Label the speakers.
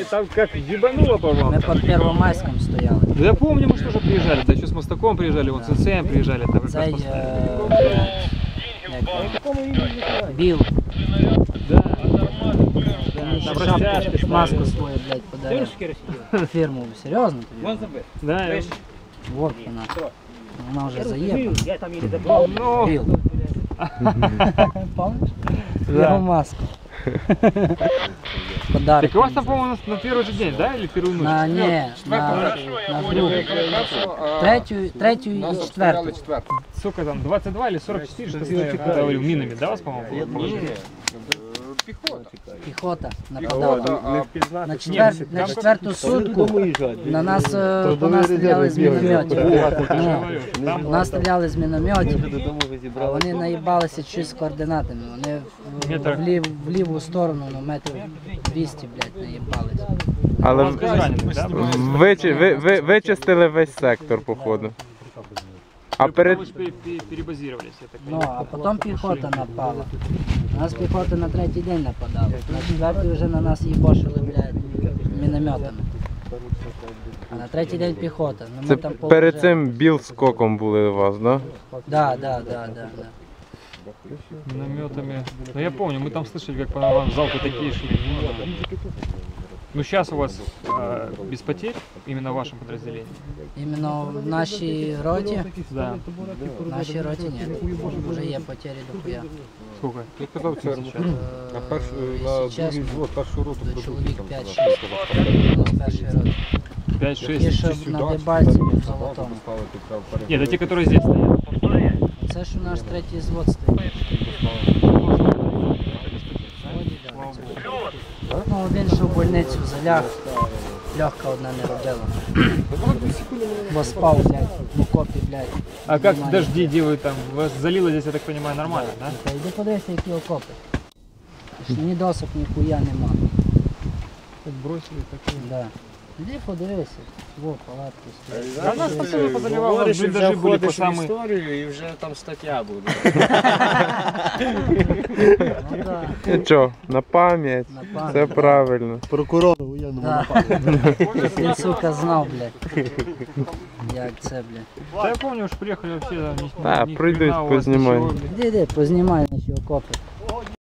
Speaker 1: там как ебануло по вам.
Speaker 2: Мы под Первомайском стояли.
Speaker 1: Да я помню, мы же тоже приезжали, да, еще с Мостаком приезжали, вот с НЦМ приезжали. Там
Speaker 2: Цей, Біл.
Speaker 1: Да.
Speaker 2: Там шапку, маску свою, блядь, подарил. Фирму, серьезно?
Speaker 1: Да.
Speaker 2: Вот она. Она уже заехала.
Speaker 1: Ну,
Speaker 2: Біл. Помнишь?
Speaker 1: Да.
Speaker 2: Его маску. Подарок.
Speaker 1: так у вас там, по-моему, на первый же день, да, или первую ночь?
Speaker 2: На другу. Третью и четвертую.
Speaker 1: Сколько там, 22 или 44, что ты говорил, минами, да, у вас, по-моему, было?
Speaker 2: Пехота нападала. На четвертую сутку на нас стріляли з мінометів. Нас стріляли з мінометів, а вони наїбалися щось з координатами. Вони в ліву сторону, на метрів 200, блядь, наїбалися.
Speaker 3: Але вичистили весь сектор, походу. А перед...
Speaker 1: перебазировались, я так
Speaker 2: Ну,
Speaker 1: понимаю.
Speaker 2: а потім піхота напала. У нас піхота на третій день нападала. На четвертий вже на нас їбошили, блядь, мінометами. А на третій день піхота. Ну,
Speaker 3: Це
Speaker 2: ми там
Speaker 3: перед цим Біл з Коком були у вас, да?
Speaker 2: Да.
Speaker 1: Минометами. Ну я помню, мы там слышали, как по вам в залку такие шли. Ну сейчас у вас без потерь, именно в вашем подразделении?
Speaker 2: Іменно в нашій роті,
Speaker 1: Да.
Speaker 2: в нашій роті ні. Вже є потері дохуя.
Speaker 1: Сколько?
Speaker 4: Я казав це на другий взвод, першу роту
Speaker 2: До чоловік
Speaker 4: продукти
Speaker 2: 5-6 з першої роти.
Speaker 1: 5-6.
Speaker 2: Ті, що на Дебальцеві в Золотому.
Speaker 1: Нет, это те, которые здесь стоят.
Speaker 2: Це ж у нас третій звод стоїть. Ну, він що в больницю заляг, легка одна не робила. Бо спав, блядь, в окопі, блядь.
Speaker 1: А как
Speaker 2: Немає.
Speaker 1: дожди делают там? Вас залило здесь, я так понимаю, нормально, да?
Speaker 2: Та йди подивися, які окопи. Ні досок, ні хуя нема.
Speaker 1: Как бросили, так и...
Speaker 2: Да. Іди подивися, во, палатки стоять.
Speaker 1: Да нас постоянно позаливало,
Speaker 5: Говориш, і вже
Speaker 1: блиндажи были по
Speaker 5: входиш в
Speaker 1: самые...
Speaker 5: історію і вже там стаття буде.
Speaker 2: Ну да,
Speaker 3: Нічого, на пам'ять.
Speaker 2: на пам'ять.
Speaker 3: Все правильно.
Speaker 5: Прокурору воєнному
Speaker 2: Да. Він, сука, знав, блядь. Як це, блядь.
Speaker 1: Да я помню, уж приехали вообще...
Speaker 3: Да, прийдуть, познімай.
Speaker 2: Іди, познімай наші окопи.